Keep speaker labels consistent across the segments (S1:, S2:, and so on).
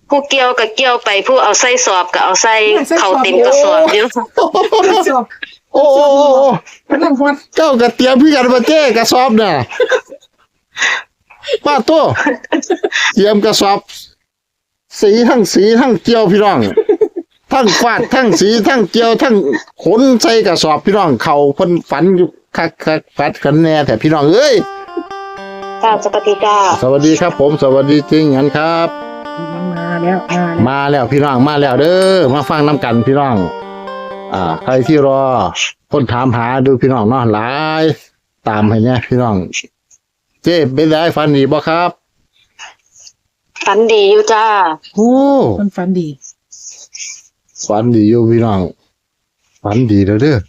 S1: ผู้เกี่ยวก็เกี่ยวไปผู้เอาใส่สอบก็เอาใส่เข้าเต็มกระสอบอยู่
S2: สอบ
S3: โอ้โอ้โอ้โอ้
S2: กำลังฮอด
S3: เจ้ากระเตรียมพี่กันมาเจ้กระสอบน่ะป้าตัวเตรียมกระสอบ สีทั้งเกี่ยวพี่น้อง ทั้งฟาดทั้งสีทั้งเกี่ยวทั้งขนใส่กระสอบพี่น้องเขาเพิ่นฝันอยู่คักฟัดกันแน่แต่พี่น้องเอ้ย
S1: จ้าสวัสดีจ้า
S3: สวัสดีครับผมสวัสดีจริงงั้นครับ
S2: มาแล้ว
S3: มาแล้วพี่น้องมาแล้วเด้อมาฟังน้ำกันพี่น้อง ใครที่รอคนถามหาดูพี่น้องเนาะหลายตามให้เนี่ยพี่น้อง เจ๊เป็นไรฝันดีบ่ครับ
S1: ฝันดีอยู่จ้า
S3: โอ้
S2: มันฝันดี
S3: ฝันดีอยู่พี่น้องฝันดีแล้วเด้อ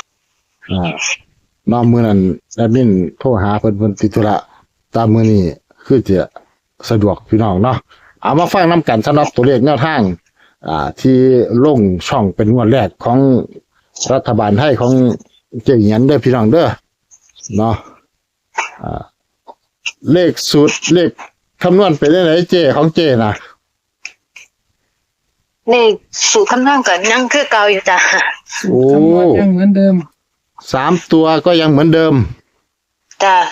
S3: น้องมื้อนั้นแอดมินโทรหาเพิ่นติดธุระตามมื้อนี้คือจะสะดวกพี่น้องเนาะเอามาฟังน้ำกันสำหรับตัวเลขแนวทาง ที่ลงช่องเป็นงวดแรกของรัฐบาลไทยของเจ๊หยันเด้อพี่น้องเด้อเนาะเลขสูตรเลขคำนวณเป็นได้ไหนเจ๊ของเจ๊นะ
S1: นี่สูตรคำนวณก็ยังคือเก่าอยู่จ้า
S3: โอ้
S2: คำนวณยังเหมือนเดิม
S3: 3 ตัวก็ยังเหมือนเดิม
S1: จ้า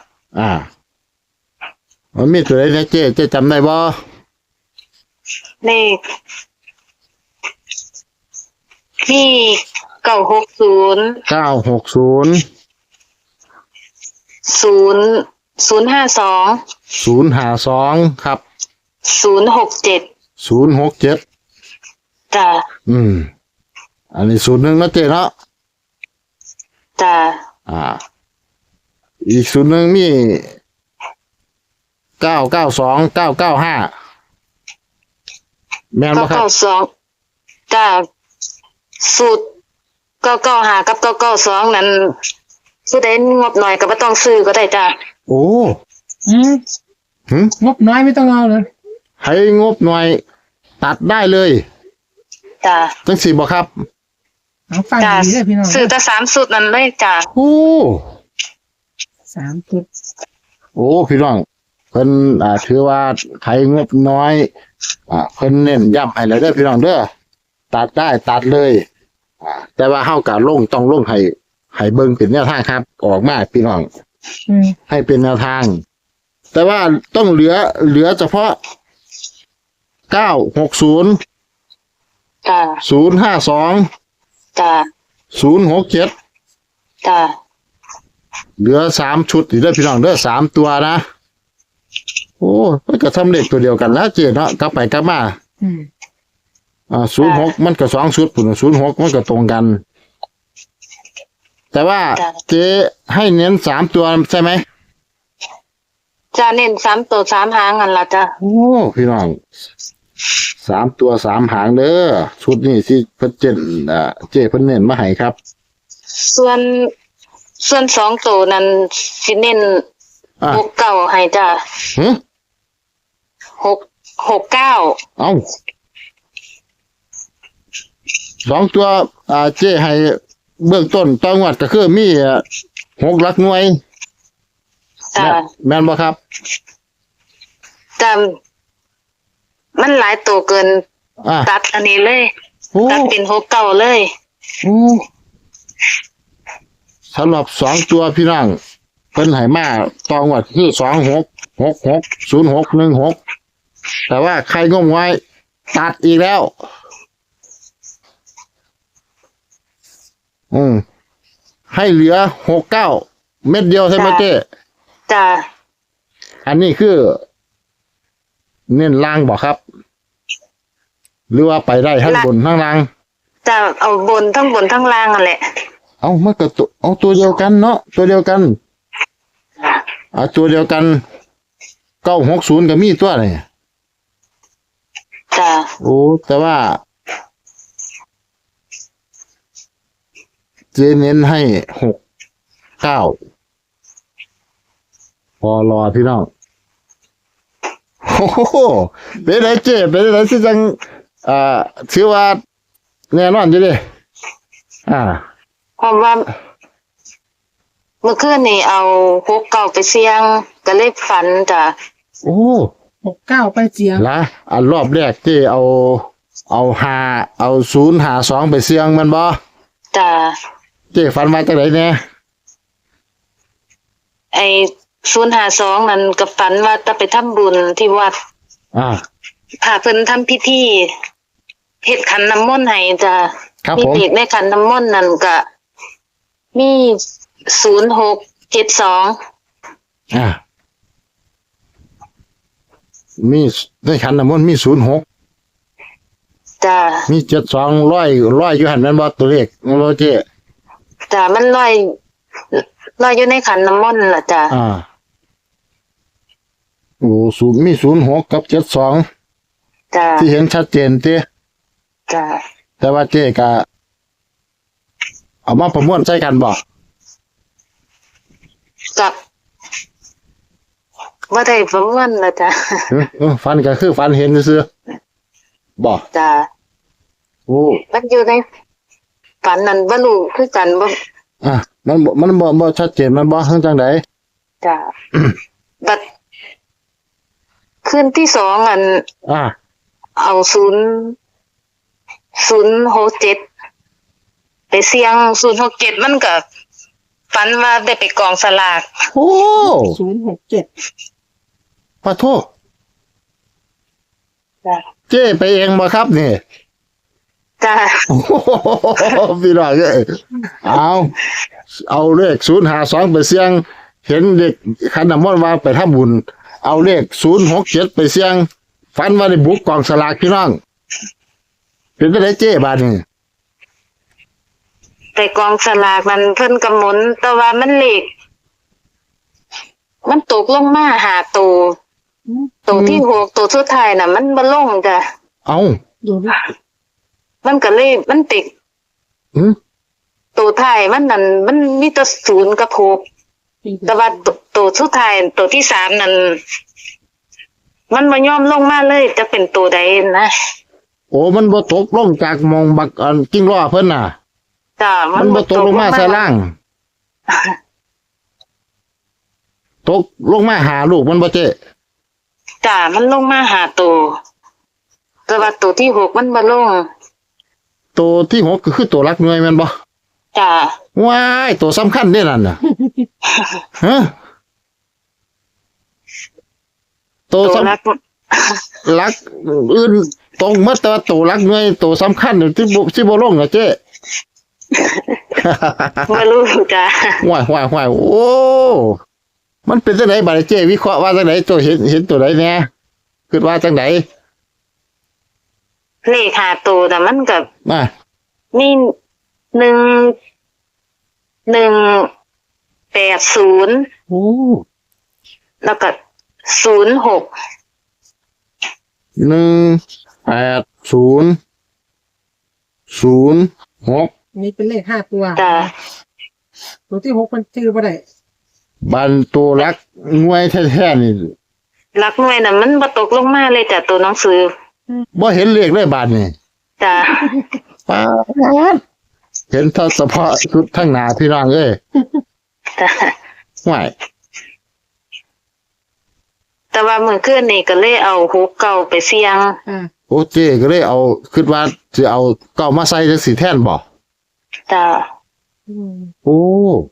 S3: มันมีตัวไหนนะเจ๊จำได้บ่
S1: นี่มี960
S3: 960
S1: 0052
S3: 052ครับ
S1: 067
S3: 067
S1: จ้า
S3: อันนี้สูตรหนึ่งนะเจ๊เนาะ
S1: จ้า
S3: อีกสูตรหนึ่งมี992 995แม่นบ่ครับ
S1: 992จ้าสูตร995กับ992นั้นผู้ใดงบหน่อยก็บ่ต้องซื้อก็ได้จ้า
S3: โอ้ หึ
S2: งบน้อยไม่ต้องเอาเลย
S3: ให้งบหน่อยตัดได้เลย
S1: จ้า
S3: จังสี่บ่ครับ
S2: เอาฟัง
S1: จ้า
S2: ดีเลยพี่น้อง
S1: ซื้อแต่3สูตรนั้นเลยจ้า
S3: โอ้
S2: 3 จุด
S3: โอ้พี่น้องเพิ่นถือว่าใครงบน้อยเพิ่นเน้นย้ำให้แล้วเด้อพี่น้องเด้อตัดได้ตัดเลยแต่ว่าเฮาก็ต้องลงให้เบิ่งเป็นแนวทางครับ ออกมาพี่น้อง ให้เป็นแนวทาง แต่ว่าต้องเหลือเฉพาะ960
S1: จ้า
S3: 052
S1: จ้า
S3: 067
S1: จ้า
S3: เหลือ3ชุดอีกเด้อพี่น้องเด้อ3ตัวนะโอ้มันก็ทำเลขตัวเดียวกันนะเจ๊เนาะกลับไปกลับมา06มันก็2ชุดพุ่น06มันก็ตรงกัน แต่ว่าเจ๊ให้เน้น3ตัวใช่ไหม
S1: จ้าเน้น3ตัว3หางนั่นล่ะจ้า
S3: โอ้พี่น้อง3ตัว3หางเด้อชุดนี้สิเพิ่นเจ๊เพิ่นเน้นมาให้ครับ
S1: ส่วน2ตัวนั้นสิเน้น69ให้จ้า
S3: หึ
S1: 69
S3: เอ้า2ตัวเจ๊ให้เบื้องต้นต่องวดก็คือมี6หลักหน่วย
S1: จ้า
S3: แม่นบ่ครับ
S1: จ้ามันหลายตัวเกิน ตัดอันนี้เลย
S3: โอ้
S1: ตัดเป็น69เลย
S3: โอ้สำหรับ2ตัวพี่น้องเพิ่นให้มาต่องวดคือ26 66 06 16แต่ว่าใครงมไว้ตัดอีกแล้วให้เหลือ69เม็ดเดียวใช่ไหมเจ๊
S1: จ้า
S3: อันนี้คือ เน้นล่างบอกครับ หรือว่าไปได้ทั้งบนทั้งล่าง
S1: จ้าเอาบนทั้งล่างนั่นแหละ
S3: เอามันก็ตัวเดียวกันเนาะตัวเดียวกันตัวเดียวกัน960ก็มีตัวนี่
S1: จ้า
S3: โอ้แต่ว่าเจเน้นให้69พอรอพี่น้องโอ้โหเป็นไรเจ๊เป็นไรที่จังถือว่าแน่นอนอยู่ดิ
S1: เพราะว่าเมื่อคืนนี่เอา69ไปเสี่ยงก็เลยฝันจ้ะ
S3: โอ้
S2: 69ไปเสียง
S3: ละอันรอบแรกเจ้เอา052ไปเสี่ยงแมันบ่
S1: จ้า
S3: เจ้ฝันว่าจังไดแน่
S1: ไอ้052นั่นก็ฝันว่าจะไปทำบุญที่วัด
S3: อ่า
S1: พาเพิ่นทำพิธีเฮ็ดขันน้ำมนต์ให้จ้า
S3: ครับ
S1: มี
S3: ผม
S1: เลขในขันน้ำมนต์นั่นก็มี0672
S3: อ่ามีในขันน้ำมนต์มี06
S1: จ้า
S3: มี72ร้อยอยู่หั่นแม่นบ่ตัวเลขบ่เจ้
S1: จ้ามันลอยอยู่ในขันน้ำมนต์ล่ะจ้า
S3: อ่าโอ้มี06กับ72
S1: จ้า
S3: ที่เห็นชัดเจนติ
S1: จ้า
S3: แต่ว่าเจ๊ก็เอามาประมวลใส่กันบ่
S1: กับว่าได้ประมวลล่ะจ้า
S3: ฟันก็คือฟันเห็นซื่อๆบ่
S1: จ้า
S3: โอ้
S1: มันอยู่ในฝันนั่นบ่รู้คือกันบ่
S3: อ่ะมันบ่ชัดเจนมันบ่จังได๋
S1: จ้า บัดคืนที่2อัน
S3: อ่า
S1: เอา067ไปเสี่ยง067มันก็ฝันว่าได้ไปกองสลาก
S3: โอ้
S2: 067
S3: ปะโท
S1: จ้า
S3: เจ๊ไปเองบ่ครับนี่
S1: จ้า
S3: โอ้โหพี่น้องเอ้ยเอาเลข052ไปเสี่ยง เห็นเด็กขันน้ำมนต์ว่าไปทำบุญ เอาเลข067ไปเสี่ยง ฝันว่าได้บุกกองสลากพี่น้อง เป็นจังได๋เจ๊บาดนี้
S1: ไปกองสลากมันเพิ่นกำหนดแต่ว่ามันเลขมันตกลงมาหาตัวที่6ตัวสุดท้ายน่ะมันบ่ลงจ้ะ
S3: เอา
S2: ดูดิ
S1: มันก็เลยมันติด
S3: หืม
S1: ตัวท้ายมันนั่นมันมีแต่0กับ6แต่ว่าตัวสุดท้ายตัวที่3นั่นมันบ่ยอมลงมาเลยจะเป็นตัวใดนะ
S3: โอ้ มันบ่ตกลงจากหมองบักอันกิ้งล้อเพิ่นน่ะ
S1: จ้ะ
S3: มันบ่ตกลงมาใส่ล่าง ตกลงมาหาลูกมันบ่เจ๊
S1: จ้ะมันลงมาหาตัวแต่ว่าตัวที่6มันบ่ลง
S3: ตัวที่6ก็คือตัวรักหน่วยแม่นบ่
S1: จ้ะ
S3: ว้ายตัวสำคัญเด้นั่นน่ะ ฮะตัว
S1: ตัว
S3: สำ
S1: รัก
S3: รักอื่นตรงหมดแต่ว่าตัวรักหน่วยตัวสำคัญนี่ที่บ่ลงน่ะเจ๊
S1: บ่รู้จ้ะ
S3: ว้ายโอ้ มันเป็นจังไดบัดนี้เจ๊วิเคราะห์ว่าจังไดตัวเห็นตัวใดแน่คิดว่าจังได
S1: เลขหาตัวแต่มันก็
S3: มา
S1: มี1180
S2: โอ้
S1: แล้วก็06
S3: 18006
S2: นี่เป็นเลข5ตัว
S1: จ้ะ
S2: ตัวที่6มันชื่อบ่ได้
S3: บันตัวรักงวยแท้ๆนี่
S1: หลักหน่วยน่ะมันบ่ตกลงมาเลยจ้ะตัวหนังสือ
S3: บ่เห็นเลขเลยบาดนี่
S1: จ้ะ
S3: ป๊าดเห็นเฉพาะชุดทั้งหน้าพี่น้องเอ้ย
S1: จ้ะ
S3: ห่วย
S1: แต่ว่ามื้อคืนนี่ก็เลยเอา69ไปเสี่ยง
S2: อ่า
S3: โอ้เจ๊ก็เลยเอาคิดว่าสิเอาเก้ามาใส่จังสีแทนบ่
S1: จ้ะ
S2: อืม
S3: โอ้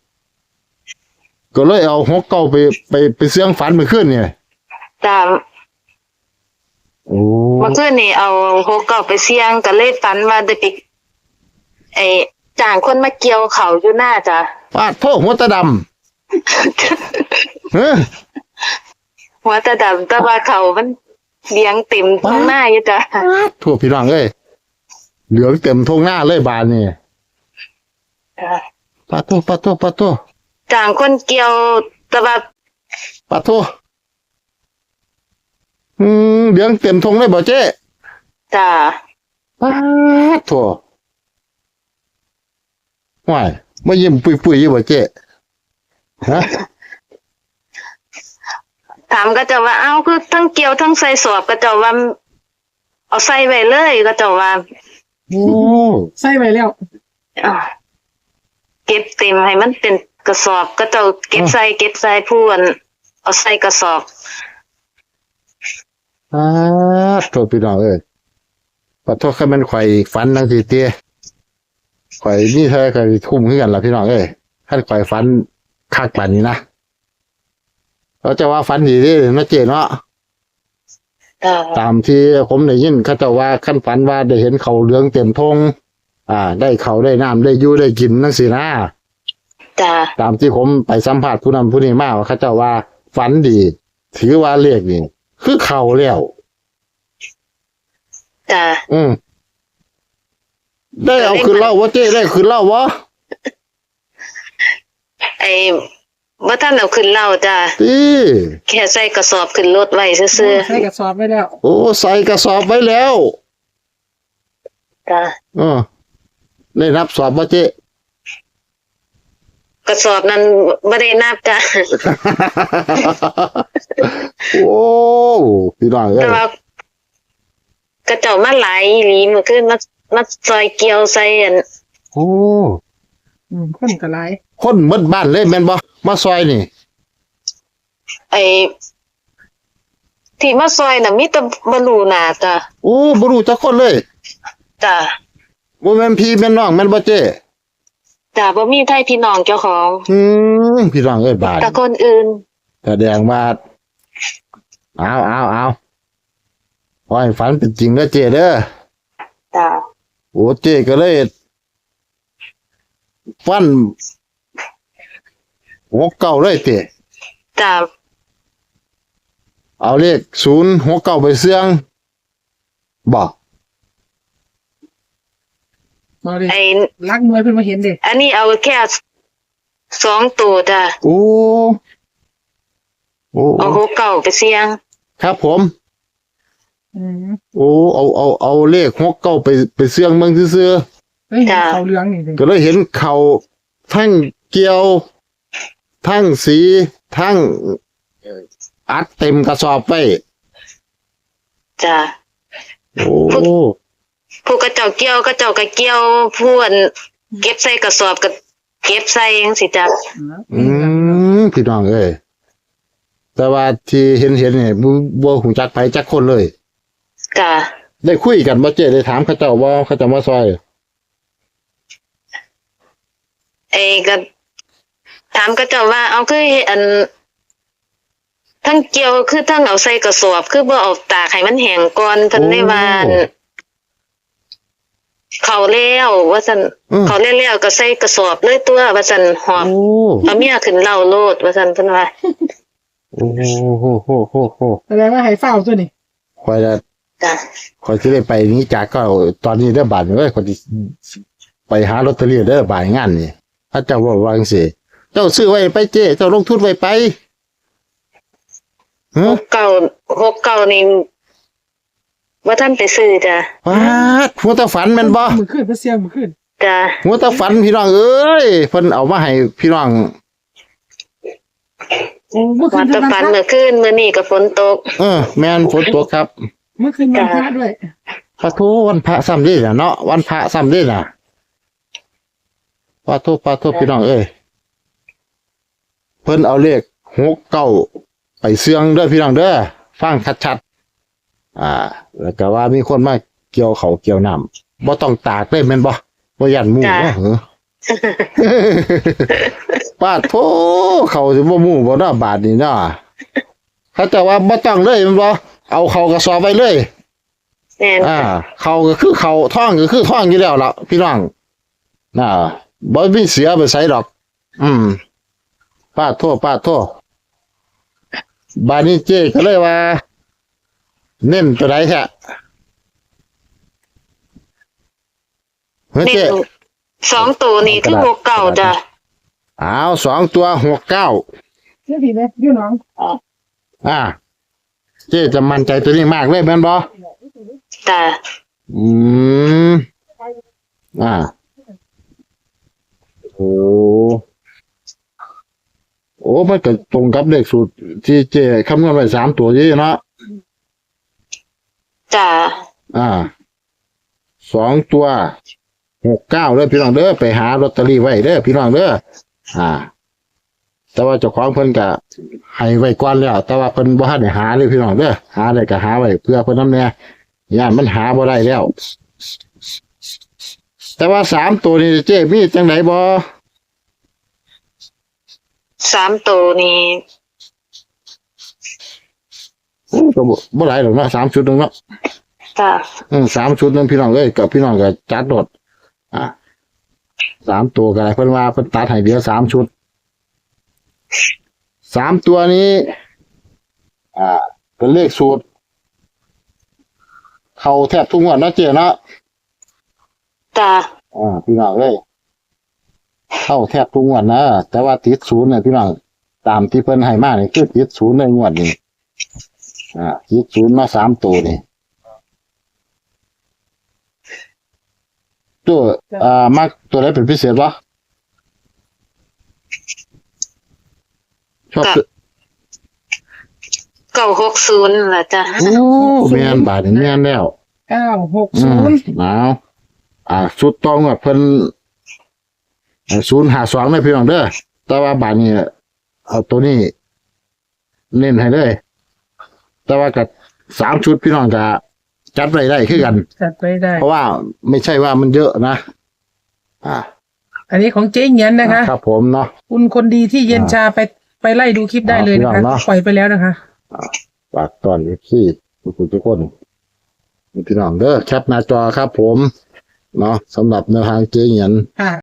S3: ก็เลยเอา6เก้าไปเสียงฝันเมื่อคืนนี่
S1: จ้ะ
S3: โอ้
S1: เมื่อคืนนี่เอา69ไปเสี่ยงก็เลยฝันว่าได้ไปจ้างคนมาเกี่ยวเขาวอยู่หน้าจ้ะ
S3: ปาดโทหัวตาดำเฮ้อ
S1: หัวตาดำแต่ว่าเขามันเลี้ยงเต็มท้องหน้าอยู่จ้ะ
S3: ทั่วพี่น้องเอ้ยเหลืองเต็มทงหน้าเลยบานนี่
S1: จ้ะ
S3: ปาโท
S1: จ้างคนเกี่ยวแต่ว่า
S3: ปาโทเหลืองเต็มทงเลยบ่เจ๊
S1: จ้ะ
S3: ปาโทห่วยมายิ้มปุยๆอยู่บ่เจ๊ฮะ
S1: ถามก็จะว่าเอ้าคือทั้งเกี่ยวทั้งใส่สอบก็จะว่าเอาใส่ไว้เลยก็จะว่า
S2: โอ้ใส่ไปแล้ว
S1: อ้าวเก็บเต็มให้มันเป็นกระสอบก็จะเก็บใส่พูนเอาใส่กระสอบ
S3: โทษพี่น้องเอ้ยขอโทษแค่มันข่อยฝันทั้งทีเตี้ยข่อยนี่เธอข่อยทุ่มขึ้นกันละพี่น้องเอ้ยท่านข่อยฝันคักป่านนี้นะเราจะว่าฝันดีเด้นะเจเนาะ
S1: จ้า
S3: ตามที่ผมได้ยินเขาเจะว่าขั้นฝันว่าได้เห็นเขาเหลืองเต็มทงได้เขาได้น้ำได้อยู่ได้กินนั่นสินะ
S1: จ้า
S3: ตามที่ผมไปสัมภาษณ์ผู้นำผู้นี้มาว่าเขาเจ้าว่าฝันดี ถือว่าเลขนี่คือเขาแล้ว
S1: จ้า
S3: ได้เอาคืนเล่าวะเจ้ได้คืนเล่าวะ
S1: ไอ้บ่ทันเอาขึ้นเล่าจ้า
S3: ตี
S1: แค่ใส่กระสอบขึ้นรถไว้ซื่อ
S2: ใส่กระสอบไว้แล้ว
S3: โอ้ใส่กระสอบไว้แล้ว
S1: ๆจ้า
S3: ได้นับสอบวะเจ้
S1: กระสอบนั้นบ่ได้นับจ้า
S3: โอ้พี่น้องเอ้
S1: แต่
S3: ย
S1: ว่ากระเจ้ามาหลายอีหลีเมื่อคืนมาซอยเกี่ยวใส่อัน
S3: โอ้
S2: คนกระไร
S3: คนหมดบ้านเลยแม่นบ่มาซอยนี่
S1: ไอ้ที่มาซอยน่ะมีแต่บ่รู้หน้าจ้า
S3: โอ้บ่รู้จักคนเลย
S1: จ้า
S3: บ่แม่นพี่แม่นน้องแม่นบ่เจ้
S1: จ้าบ่มีไทยพี่น้องเจ้าของ
S3: พี่น้องเอ้ยบาด
S1: แต่คนอื่น
S3: แสดงว่าเอาขอให้ฝันเป็นจริงเด้อเจ้เด้อ
S1: จ้า
S3: โอ้เจ้ก็เลยฟันหัวเก่าเลยเจ้
S1: จ้า
S3: เอาเลข069ไปเสี่ยงบอก
S2: มาดิ
S1: ไอ้
S2: ลักมวยเพิ่นมาเห็นเด็
S1: อันนี้เอาแค่2ตัวจ้า
S3: โอ้
S1: เอาหัวเก่าไปเสี่ยง
S3: ครับผม
S2: อืม
S3: โอ้เอาเลข69ไปเสี่ยงเมืองซื่อ
S2: เฮ้ยเขาเหลืองนี่ดิ
S3: ๆก็เลยเห็นเขาทั้งเกี่ยว ทั้งสีทั้งอัดเต็มกระสอบไป
S1: จ้า
S3: โอ้
S1: ผู้กระเจ้าเกี่ยวกระเจ้าก็เกี่ยวผู้อันเก็บใส่กระสอบก็เก็บใส่จังซี่จ้า
S3: พี่น้องเอ้ยแต่ว่าที่เห็นเนี่ยบ่หูจักไผจักคนเลย
S1: จ้า
S3: ได้คุยกันบ่เจ้ได้ถามเขาเจ้าว่าเขาจะมาซอย
S1: ไอ้ก็ถามกระเจ้าว่าเอาคืออันทั้งเกี่ยวคือทั้งเอาใส่กระสอบคือบ่เอาตากให้มันแห้งก่อนเพิ่นได้ว่าอั่นเขาแล้วว่าซั่นเขาแล้วก็ใส่กระสอบเลยตัวว่าซั่นหอบ
S3: โอ้
S1: เอาเมียขึ้นเล่าโลดว่าซั่นเพิ่นว่า
S3: โอ้โห
S2: แสดงว่าให้เฝ้าตัวนี่
S3: คอยจะ
S1: จ้า
S3: คอยสิได้ไปนี้จากก็ตอนนี้ได้อบาทเอ้ยคอยสิไปหาลอตเตอรี่ได้อบาทงานนี่ถ้าเจ้าว่าจังซี่เจ้าซื้อไว้ไปเจ้เจ้าลงทุนไว้ไปฮะ
S1: 69นี่บ่ทันไปซื้อจ้ะ
S3: ว้าดหัวตาฝันแม่นบ่
S2: มือขึ้นเพื่อเสียงมือขึ้น
S1: จ้ะ
S3: หัวตาฝันพี่น้องเอ้ยเพิ่นเอามาให้พี่น้อง
S2: โอ้เมื่อคื
S1: วัน
S2: น
S1: ตะ
S2: ทำ
S1: ปัน
S2: พระ
S1: เมื่อคืนมื้อนี้ก็ฝนตก
S3: แม่นฝนตกครับ
S2: เมื่อคืนวันพระด้วย
S3: พระโทวันพระซ้ำนี่น่ะเนาะวันพระซ้ำนี่น่ะพระโทพี่น้องเอ้ยเพิ่นเอาเลข69ไปเสี่ยงเด้อพี่น้องเด้อฟังชัดๆแล้วก็ว่ามีคนมาเกี่ยวเขาวเกี่ยวน้ำบ่ต้องตากเลยแม่นบ่บ่ยันหมู่บ่เหรอ ป้าโทเขาสิบ่หมู่บ่เนาะบาทนี่เนาะเขาจะว่าบ่ต้องเลยแม่นบ่เอาเขากระสอบไว้เลย
S1: แม่นจ้ะ
S3: เขาก็คือเขาท่องก็คือท่องอยู่แล้วล่ะพี่น้องบ่มีเสียไปใส่ดอก ป้าโทบานนี้เจ๊ก็เลยว่า เน้นตัวใดแท้เฮ้ย
S1: นี่
S3: เจ๊
S1: 2ตัวนี่คือ69จ้ะ
S3: อ้าว2ตัว69
S2: เรื่องผีไหมพี่น้อง
S3: เจ๊จะมั่นใจตัวนี้มากเลยแม่นบ่
S1: จ้ะ
S3: อืมโอ้มันก็ตรงกับเลขสูตรที่เจ๊คำนวณไว้3ตัวนี้เนาะ
S1: จ้ะ
S3: 2ตัว69เด้อพี่น้องเด้อไปหาลอตเตอรี่ไว้เด้อพี่น้องเด้อแต่แต่ว่าเจ้าของเพิ่นก็ให้ไว้ก่อนแล้ว แต่ว่าเพิ่นบ่ทันได้หาเลยพี่น้องเด้อหาได้ก็หาไว้เพื่อเพิ่นนำแน่ย่านมันหาบ่ได้แล้ว แต่ว่า3ตัวนี้เจ๊มีจังไดบ่
S1: 3ตัวนี้
S3: ก็บ่หลายดอกเนาะ3ชุดนึงเนาะ
S1: จ้ะ
S3: 3ชุดนึงพี่น้องเอ้ยกับพี่น้องก็จัดโดด3ตัวก็ได้เพิ่นว่าเพิ่นตัดให้เดียว3ชุด3ตัวนี้ เป็นเลขสูตร เข้าแทบทุกงวดเนาะเจ๊เนาะ
S1: จ้ะ
S3: พี่น้องเอ้ยเข้าแทบทุกงวดนะแต่ว่าติดศูนย์เนี่ยพี่น้องตามที่เพิ่นให้มานี่คือติดศูนย์ในงวดนี้ติดศูนย์มา3ตัวนี่ตัวมักตัวไหนเป็นพิเศษวะชอบ
S1: 960ล่ะจ้ะ
S3: โอ้แม่นบาดนี่แม่นแล้ว
S2: 960
S3: เอาสุดตองว่าเพิ่น052นะพี่น้องเด้อแต่ว่าบาดนี้เอาตัวนี้ เน้นให้เลยแต่ว่ากับ3ชุดพี่น้องก็จัดไว้ได้คือกัน
S2: จัดไปได้
S3: เพราะว่าไม่ใช่ว่ามันเยอะนะ
S2: อันนี้ของเจ๊เงียนนะคะ
S3: ครับผมเนาะ
S2: คุณคนดีที่เย็นชาไปไล่ดูคลิปได้เลยนะคะ
S3: เนาะ
S2: ปล่อยไปแล้วนะคะ
S3: ฝากตอนที่ทุกคนพี่น้องเด้อแคปหน้าจอครับผมเนาะสำหรับแนวทางเจ๊เงียน
S2: ค่ะ